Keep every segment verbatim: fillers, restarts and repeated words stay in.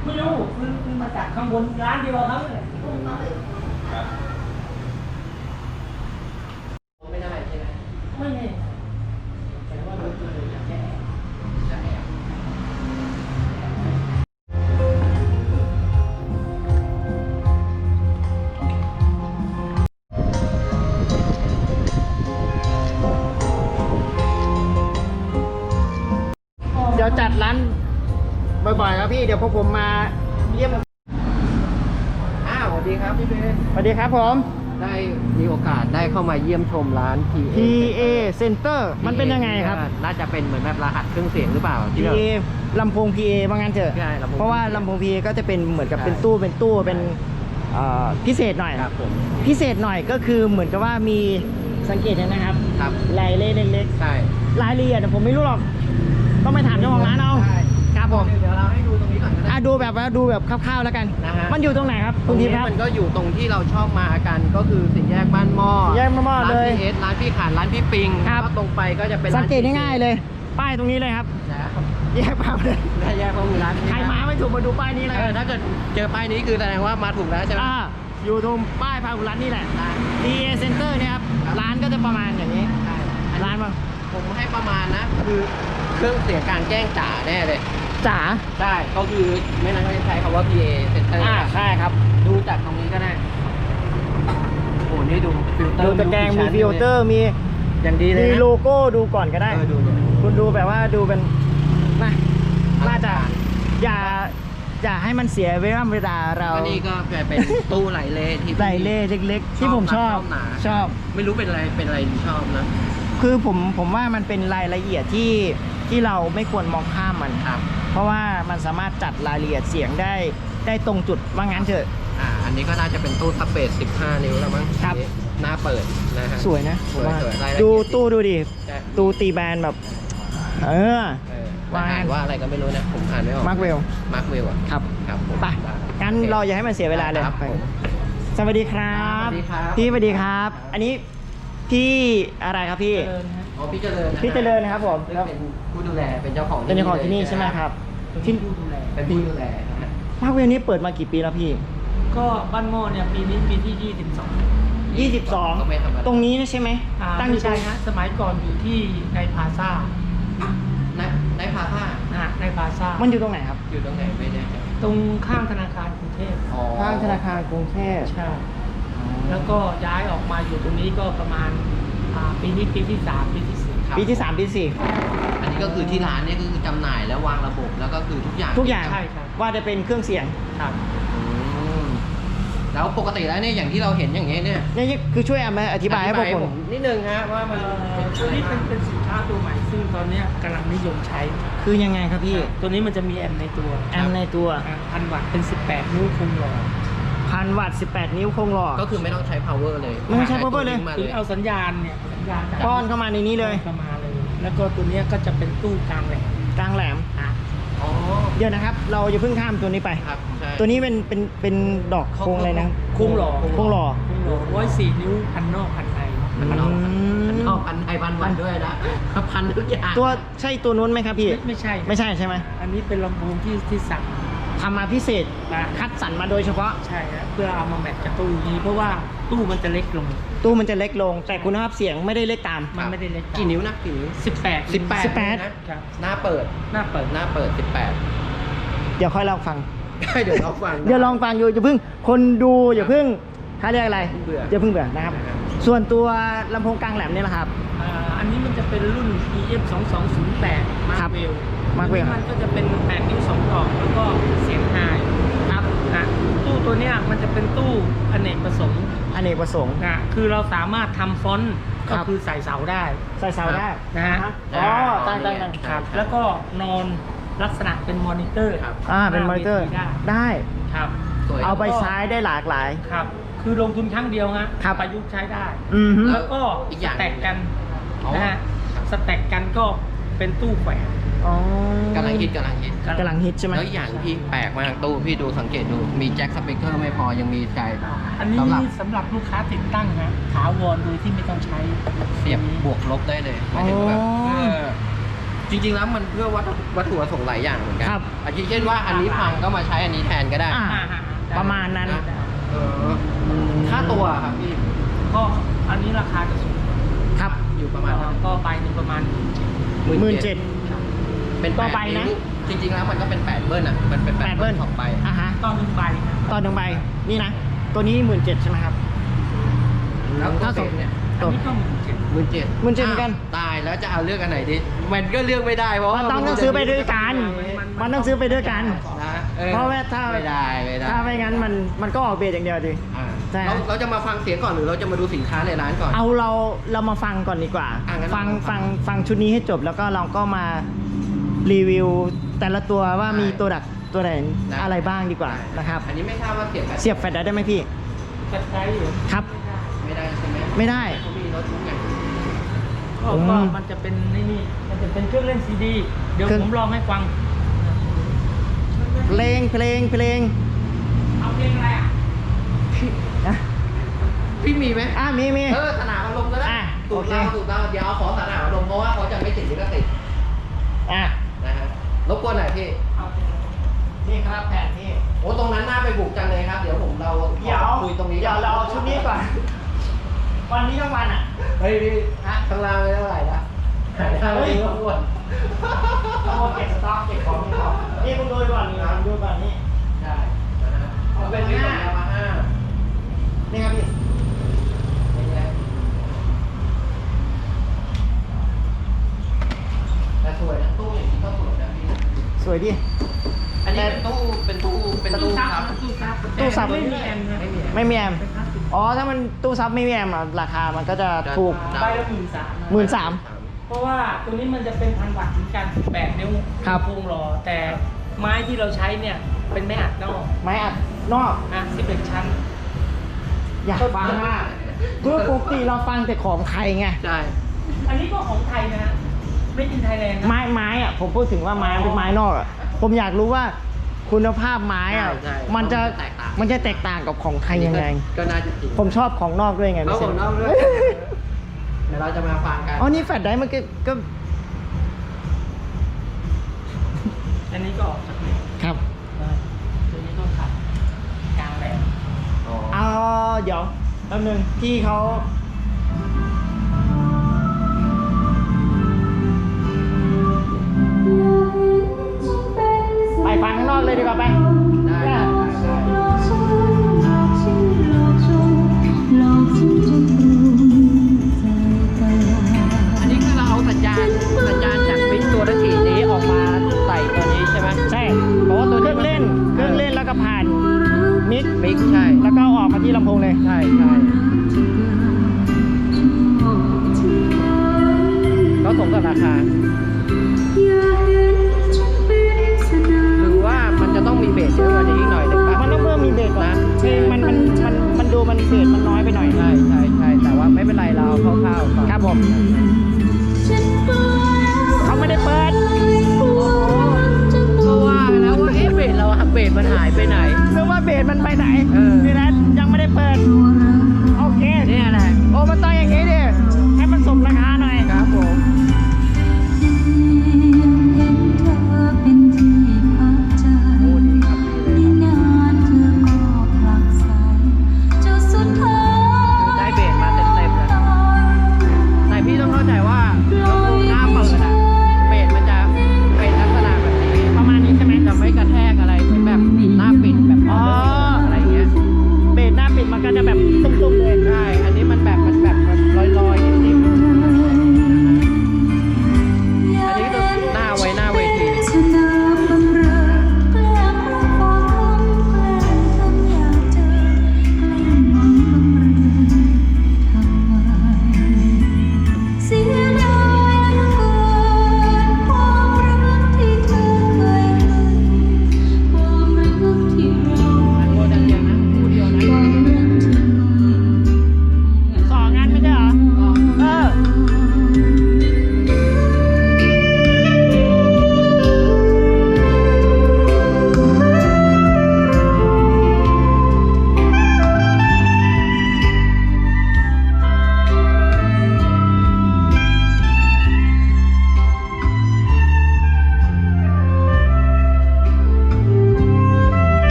ไม่รู้ซื้อมาจากข้างบนร้านเดียวครับครับไม่ได้ใช่ไหมไม่แน่แต่ว่าโดยตัวเลยจะแก้จะแอบเดี๋ยวจัดร้านบ่อยๆครับพี่เดี๋ยวพอผมมาเยี่ยมอ้าวสวัสดีครับพี่เบนสวัสดีครับผมได้มีโอกาสได้เข้ามาเยี่ยมชมร้าน พี เอพี เอ Center มันเป็นยังไงครับน่าจะเป็นเหมือนแบบรหัสเครื่องเสียงหรือเปล่าพีที่เราเอ ลำโพง พี เอ ว่างั้นเถอะใช่ลำโพงเพราะว่าพี เอลำโพง พี เอ ก็จะเป็นเหมือนกับใช่เป็นตู้เป็นตู้เป็นเอ่อพิเศษหน่อยครับผมพิเศษหน่อยก็คือเหมือนกับว่ามีสังเกตเห็นนะครับครับลายเล่เล็กใช่ๆรายละเอียดผมไม่รู้หรอกต้องไปถามเจ้าของร้านเอาใช่ครับผมเดี๋ยวเราให้ดูตรงนี้ก่อนก็ได้อ่ะดูแบบว่าดูแบบคร่าวๆแล้วกันนะฮะมันอยู่ตรงไหนครับตคุรณงทินี้พย์ครับมันก็อยู่ตรงที่เราชอบมากันก็คือสี่แยกบ้านหม้อสี่แยกบ้านหม้อร้านเลยพีเอสร้านพี่ขานร้านพี่ปิงครับแล้วก็ตรงไปก็จะเป็นสังเกตง่ายๆเลย ป้ายตรงนี้เลยครับนะครับแยกป้ายเลยแยกข้อมูลร้านนี้ใครมาไม่ถูกมาดูป้ายนี้เลยเออถ้าเกิดเจอป้ายนี้คือแสดงว่ามาถูกแล้วใช่ไหมอ่าอยู่ตรงป้ายพาหุรัตน์นี่แหละได้พี เอ Center เนี่ยครับครับร้านก็จะประมาณอย่างนี้ใช่อันนี้ร้านมาผมให้ประมาณนะ คือเครื่องเสียงกลารแจ้งจ๋าแน่เลยจ๋าใช่ก็คือไม่นั้นก็จะใช้คำว่า พี เอ Center อ่าใช่ครับดูจากตรงนี้ก็ได้ โอ้นี่ดูฟิลเตอดูร์ตะแกรงมีชั้นฟิลเตอร์มีอย่างดีเลยมีนะโลโก้ดูก่อนก็ได้เออดูดูคุณดูแบบว่าดูเป็นนะน่าจะอย่าอย่าให้มันเสียเวลาเวลาเราก็นี่ก็เป็นตู้ไหลเลที่ไหลเล่เล็กๆ ที่ผมชอบหนาชอบไม่รู้เป็นอะไรเป็นอะไรที่ชอบนะคือผมผมว่ามันเป็นรายละเอียดที่ที่เราไม่ควรมองข้ามมันครับเพราะว่ามันสามารถจัดรายละเอียดเสียงได้ได้ตรงจุดว่างั้นเถอะอ่า อันนี้ก็น่าจะเป็นตู้ซับเบสสิบห้านิ้วแล้วมั้งครับหน้าเปิดนะฮะสวยนะสวยผมว่าสวยรายละเอียดดูตู้ดูดิใช่ตู้ตีแบนแบบ เออเออว่าอ่านว่าอะไรก็ไม่รู้นะ ผมอ่านไม่ออกมาร์คเวลมาร์คเวลอ่ะครับครับผมไปได้งั้นโอคเราอย่าให้มันเสียเวลาเลยครับไปผมสวัสดีครับสวัสดีครับพี่สวัสดีครับ อันนี้พี่อะไรครับพี่เจริญฮะอ๋อพี่เจริญนะพี่เจริญนะครับผมซึ่งเป็นผู้ดูแลเป็นเจ้าของเป็นเจ้าของที่นี่ใช่ไหมครับที่ผู้ดูแลเป็นผู้ดูแลนะฮะมาร์คเวลนี้เปิดมากี่ปีแล้วพี่ก็บ้านหม้อเนี่ยปีนี้ปีที่ยี่สิบสองยี่สิบสองก็ไม่ธรรมดาตรงนี้ใช่ไหมอ่าตั้งอไม่ยู่ตรใช่งฮะสมัยก่อนอยู่ที่ในพลาซ่าในในพาท่านะฮะในพลาซ่ามันอยู่ตรงไหนครับอยู่ตรงไหนไม่แน่ใจตรงข้างธนาคารกรุงเทพอ๋อข้างธนาคารกรุงเทพใช่แล้วก็ย้ายออกมาอยู่ตรงนี้ก็ประมาณอ่าปีนี้ปีที่สามปีที่สี่ครับปีที่สามปีที่สี่อันนี้ก็คือที่ร้านเนี่ยก็คือจำหน่ายแล้ววางระบบแล้วก็คือทุกอย่างทุกอย่างใช่ครับว่าจะเป็นเครื่องเสียงครับอืมแล้วปกติแล้วเนี่ยอย่างที่เราเห็นอย่างเงี้ยเนี่ยนี่คือช่วยเอามาอธิบายให้พวกผมนิดนึงฮะว่ามันเอ่อเป็นตัวนี้เป็นเป็นสินค้าตัวใหม่ ซึ่งตอนเนี้ยกำลังนิยมใช้คือยังไงครับพี่ตัวนี้มันจะมีแอมป์ในตัวแอมป์ในตัวอ่าพันวัตต์เป็นสิบแปดนิ้วคุมหลอดพันวัตต์สิบแปดนิ้วโครงหลอดก็คือไม่ต้องใช้ power เลยไม่ต้องใช้ power เลยมาคือเอาสัญญาณเนี่ยสัญญาณจากป้อนเข้ามาในนี้เลยเข้ามาเลย แล้วก็ตัวเนี้ยก็จะเป็นตู้กลางแหลมกลางแหลมอ่ะอ๋อเดี๋ยวนะครับ เราจะเพิ่งข้ามตัวนี้ไปครับใช่ตัวนี้เป็นเป็นเป็นดอกโครงอะไรนะโค้งหล่อโครงหล่อโค้งหล่อร้อยสี่นิ้วพันนอกพันในพันนอกอืมพันนอกพันไทยพันวันด้วยนะพันทุกอย่างตัวใช่ตัวนู้นไหมครับพี่ไม่ไม่ใช่ไม่ใช่ใช่ไหมอันนี้เป็นลำโพงที่ที่สั่งทำมาพิเศษมาคัดสรรมาโดยเฉพาะใช่ครับเพื่อเอามาแมทกับตู้นี้ เพราะว่าตู้มันจะเล็กลงตู้มันจะเล็กลง แต่คุณภาพเสียงไม่ได้เล็กตามมันไม่ได้เล็กกี่นิ้วนะกี่นิ้วสิบแปดสิบแปดสิบแปดนะครับ หน้าเปิดหน้าเปิดหน้าเปิดสิบแปดเดี๋ยวค่อยลองฟังเดี๋ยวเราฟังเดี๋ยวลองฟังอยู่อย่าเพิ่งคนดูอย่าเพิ่งเขาเรียกอะไรเบื่ออย่าเพิ่งเบื่อนะครับนะครับส่วนตัวลำโพงกลางแหลมเนี่ยแหละครับอ่าอันนี้มันจะเป็นรุ่น อี เอฟ สองสองศูนย์แปดครับ Markwell Markwell มันก็จะเป็นแปดนิ้วสองดอกแล้วก็เสียงไฮครับนะตู้ตัวเนี้ยมันจะเป็นตู้อเนกประสงค์อเนกประสงค์นะคือเราสามารถทำฟอนต์ครัก็บคือใส่เสาได้ใส่เสาได้นะฮะอ๋อตั้งตั้งตั้งครับ แล้วก็นอนลักษณะเป็นมอนิเตอร์ครับอ่าเป็นมอนิเตอร์ได้ได้ครับสวยเอาไปใช้ได้หลากหลายครับ คือลงทุนครั้งเดียวฮะครับประยุกต์ใช้ได้อือฮึแล้วก็อีกสอย่างแต็กกันอ๋อนะฮะครับสแต็กกันก็เป็นตู้แขวนอ๋อกำลังฮิตกำลังฮิตกำลังฮิตใช่ไหมแล้วอีกอย่างที่แปลกมากตู้พี่ดูสังเกตดูมีแจ็คสปีกเกอร์ไม่พอยังมีใจอันนี้สำหรับสำหรับลูกค้าติดตั้งฮะถาวรโดยที่ไม่ต้องใช้เสียบบวกลบได้เลยหมายถึงแบบอ๋อเออจริงๆแล้วมันเพื่อวัตถุวัตถุประสงค์หลายอย่างเหมือนกัครับอาทิเช่นว่าอันนี้พังก็มาใช้อันนี้แทนก็ได้อ่าอ่าฮะประมาณนั้นนะเออค่าตัวครับพี่ก็อันนี้ราคาจะสูงครับอยู่ประมาณเท่าไหร่ก็ไปหนึ่งประมาณหมื่นเจ็ดเป็นต่อแปดไปนะนิ้วจริงๆแล้วมันก็เป็นแปดเบิ้ลอ่ะมันเป็นแปแปดดเบิ้เบิ้ลลสองใบอ่ะฮะต่อหนึ่งใบนะต่อหนึ่งใบนี่นะ ตัวนี้หมื่นเจ็ดใช่ไหมครับแล้วถ้าถ้าสสมมเนี่ยอันนี้ก็หมื่นเจ็ดหมื่นเจ็ดหมื่นเจ็ดเหมือนกันตายแล้วจะเอาเลือกอันไหนดีมันก็เลือกไม่ได้เพราะมันว่าต้องต้องซื้อไปด้วยกัน มันต้องซื้อไปด้วยกันนะออเพราะว่าถ้าไม่ได้ไม่ได้ถ้าไม่งั้นมันมันก็ออกเบสอย่างเดียวดิอ่าใช่เราเราจะมาฟังเสียงก่อนหรือเราจะมาดูสินค้าในร้านก่อนเอาเราเรามาฟังก่อนดีกว่าอ่ะงั้นฟังเราฟัฟังงฟังชุดนี้ให้จบแล้วก็เราก็มารีวิวแต่ละตัวว่าได้มีตัวดักตัวไหนได้อะไรบ้างดีกว่านะครับอันนี้ไม่ทราบว่าเสียบแบบเสียบแฟลชได้ไหมพี่กระจายอยู่ครับไม่ได้ใช่ไหมไม่ได้เขามีรถทุกอย่างก็อืมก็มันจะเป็นนี่นี่มันจะเป็นเครื่องเล่นซีดี เดี๋ยวเครื่องผมลองให้ฟังเพลงเพลงเพลงเอาเพลงอะไรอ่ะนะพี่มีไหมอ่ะมีมีเออสนามอารมณ์ก็ได้อ่ะถูกโอเคเราถูกเราเดี๋ยวเอาของสนามอารมณ์เพราะว่าเขาจะไม่ติดลิขสิทธิ์อ่ะนะฮะรบกวนหน่อยพี่เอาเพลงอะไรนี่ครับแผ่นนี่โอ้ตรงนั้นน่าไปบุกจังเลยครับ เดี๋ยวผมเราเดี๋ยวคุยตรงนี้เดี๋ยวเราเอาชุดนี้ก่อน วันนี้ทั้งวันอ่ะเฮ้ยพี่ข้างล่างไม่เท่าไหร่ละหายได้ไม่รู้ว่าเราเก็บสต็อกเก็บของนี่ก่อนนี่คุณดูก่อนนี่คุณดูก่อนนี่ใช่นะฮะเอาเป็นที่ของยามาฮ่านี่ครับพี่นี่ไงแต่สวยนะตู้อย่างนี้ก็สวยนะพี่สวยดิอันนี้เป็นตู้เป็นตู้เป็นตู้ซัครับตู้ซับตู้ซับไม่มีแอมนะไม่มีไม่มีแอมเป็นพลาสติกอ๋อ ถ้ามันตู้ซับไม่มีแอมอะราคามันก็จะถูกใบละหมื่นสามหมื่นสามเพราะว่าตัวนี้มันจะเป็นพันวัตต์เหมือนกันแปดนิ้วครับโครงหล่อแต่ไม้ที่เราใช้เนี่ยเป็นไม้อัดนอกไม้อัดนอกอ่ะสิบเอ็ดชั้นอยากฟังมากเพื่อปกติเราฟังแต่ของไทยไงใช่อันนี้ก็ของไทยนะฮะไม่กินไทยแลนด์นะไม้ไม้อะผมพูดถึงว่าไม้มันเป็นไม้นอกอะผมอยากรู้ว่าคุณภาพไม้อะใช่มันจะแตกต่างมันจะแตกต่างกับของไทยยังไงก็น่าจะจริงผมชอบของนอกด้วยไงเอาพี่ขเซองนนอกด้วย เดี๋ยวเราจะมาฟังกันอ๋อนี่แฟลชได้มันก็ก็อันนี้ก็ออกจากนี้ครับตัวนี้ก็ขัดกลางแหลมอ๋อเอาเดี๋ยวแป๊บนึงที่เขาไปฟังข้างนอกเลยดีกว่าไปได้ได้ได้ อันนี้คือเราเอาสัญญาณสัญญาณจากมิกตัวตะกี้นี้ออกมาใส่ตัวนี้ใช่ไหมใช่เพราะว่าตัวเครื่องเล่นเครื่องเล่นแล้วก็ผ่านมิกมิกใช่แล้วก็ออกมาที่ลำโพงเลยใช่ใช่ก็สมกับราคา หรือว่ามันจะต้องมีเบสเยอะกว่านี้อีกหน่อยหนึ่งป่ะมันต้องเพิ่มมีเบสก่อนนะเพลงมันมันมันมันดูมันเบสมันน้อยไปหน่อยใช่ใช่ใช่แต่ว่าไม่เป็นไรเราเอาคร่าวๆก่อนครับผมเขาไม่ได้เปิดก็ว่าแล้วว่าเอ๊ะเบสเราเบสมันหายไปไหนหรือว่าเบสมันไปไหนเออนี่นะยังไม่ได้เปิดโอเคเนี่ยแหละโอ้มันต้องอย่างนี้ดิให้มันสมราคาหน่อยครับผม โอ้ดีครับดีเลยครับคือได้เบสมาเต็มๆเลยแต่พี่ต้องเข้าใจว่าลำโพงหน้าเปิดอะเบสมันจะเป็นลักษณะแบบนี้ประมาณนี้ใช่ไหมจะไม่กระแทกอะไรเหมือนแบบหน้าปิดแบบอ๋ออะไรอย่างเงี้ยเบสหน้าปิดมันก็จะแบบตุ้มๆเลยใช่ อันนี้มันแบบมันแบบมัน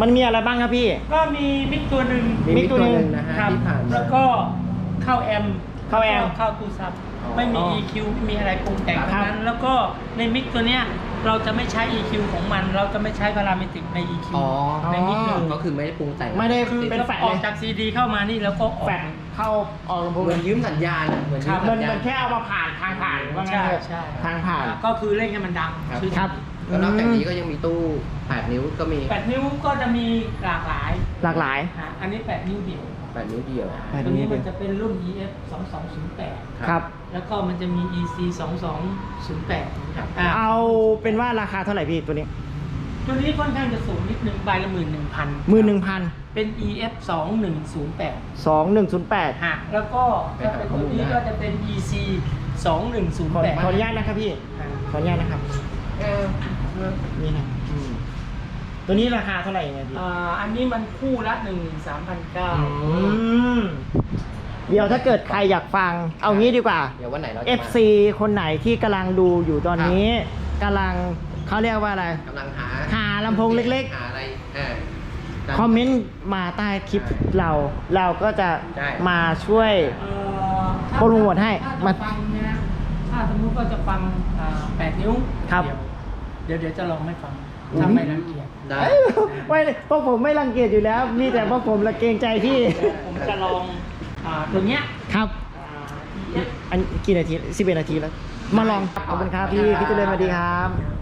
มันมีอะไรบ้างครับพี่ก็มีมิกตัวหนึ่งมีมิกตัวหนึ่งนะฮะครับที่ผ่านมาแล้วก็เข้าแอมเข้าแอมล้วก็เข้าตู้ซับอ๋อไม่มี อี คิว ไม่มีอะไรปรุงแต่งครับทั้งนั้น แล้วก็ในมิกตัวเนี้ยเราจะไม่ใช้ อี คิว ของมัน เราจะไม่ใช้พาราเมตริกใน อี คิวอ๋อในมิกเลยก็คือไม่ได้ปรุงแต่งไม่ได้คือเป็นแฟลชออกเลยจากซีดีเข้ามานี่แล้วก็ออกแฟดเข้าออกลำโพงเหมือนยืมสัญญาณอะเหมือนยืมมัสันญญามัณนแค่เอามาผ่านทางผ่านว่างั้นใช่เถอะใช่ทางผ่านก็คือเล่นให้มันดังครับชื่อครับแล้วนอกจากนี้ก็ยังมีตู้แปดนิ้วก็มีแปดนิ้วก็จะมีหลากหลายหลากหลายอ่ะอันนี้แปดนิ้วเดียวแปดนิ้วเดียวแปดตัวนิ้นี้วเดียวมันจะเป็นรุ่น อี เอฟ สองสองศูนย์แปดครับแล้วก็มันจะมี อี ซี สองสองศูนย์แปดครับอ่ะเอาเป็นว่าราคาเท่าไหร่พี่ตัวนี้ตัวนี้ค่อนข้างจะสูงนิดนึงใบละหมื่นหนึ่งพันมือหนึ่งพันเป็น อี เอฟ สองหนึ่งศูนย์แปดสองหนึ่งศูนย์แปดฮะแล้วก็ถ้าเป็นตัวนี้ก็จะเป็น อี ซี สองหนึ่งศูนย์ขอแปดขออนุญาตนะครับพี่ ขออนุญาตนะครับเออนี่นะอืมตัวนี้ราคาเท่าไหร่ยังไงพี่อ่าอันนี้มันคู่ละหนึ่งหมื่นสามพันเก้าอือืมเดี๋ยวถ้าเกิดใครอยากฟัง เอางี้ดีกว่าเดี๋ยววันไหนเราจะเอมาฟ ซี คนไหนที่กำลังดูอยู่ตอนนี้กำลังเขาเรียกว่าอะไรกำลังหาหาลำโพงเล็กๆหาอะไรเออคอมเมนต์มาใต้คลิปเรา เราก็จะใช่มาช่วยเอ่อถ้าโปรโมทให้ถ้ามาจะฟังเนี่ยนะถ้าสมมุติว่าจะฟังอ่าแปดนิ้วครับเดี๋ยวเดี๋ยวเดี๋ยวจะลองให้ฟังอุ๊ยถ้าไม่รังเกียจได้เอ้ยไม่พวกผมไม่รังเกียจอยู่แล้ว มีแต่พวกผมละเกรงใจพี่ผมจะลองอ่าตัวเนี้ยครับอ่า อี เอฟอันกี่นาทีสิบเอ็ดนาทีแล้ว มาลอง ขอบคุณครับพี่ พี่เจริญสวัสดีครับ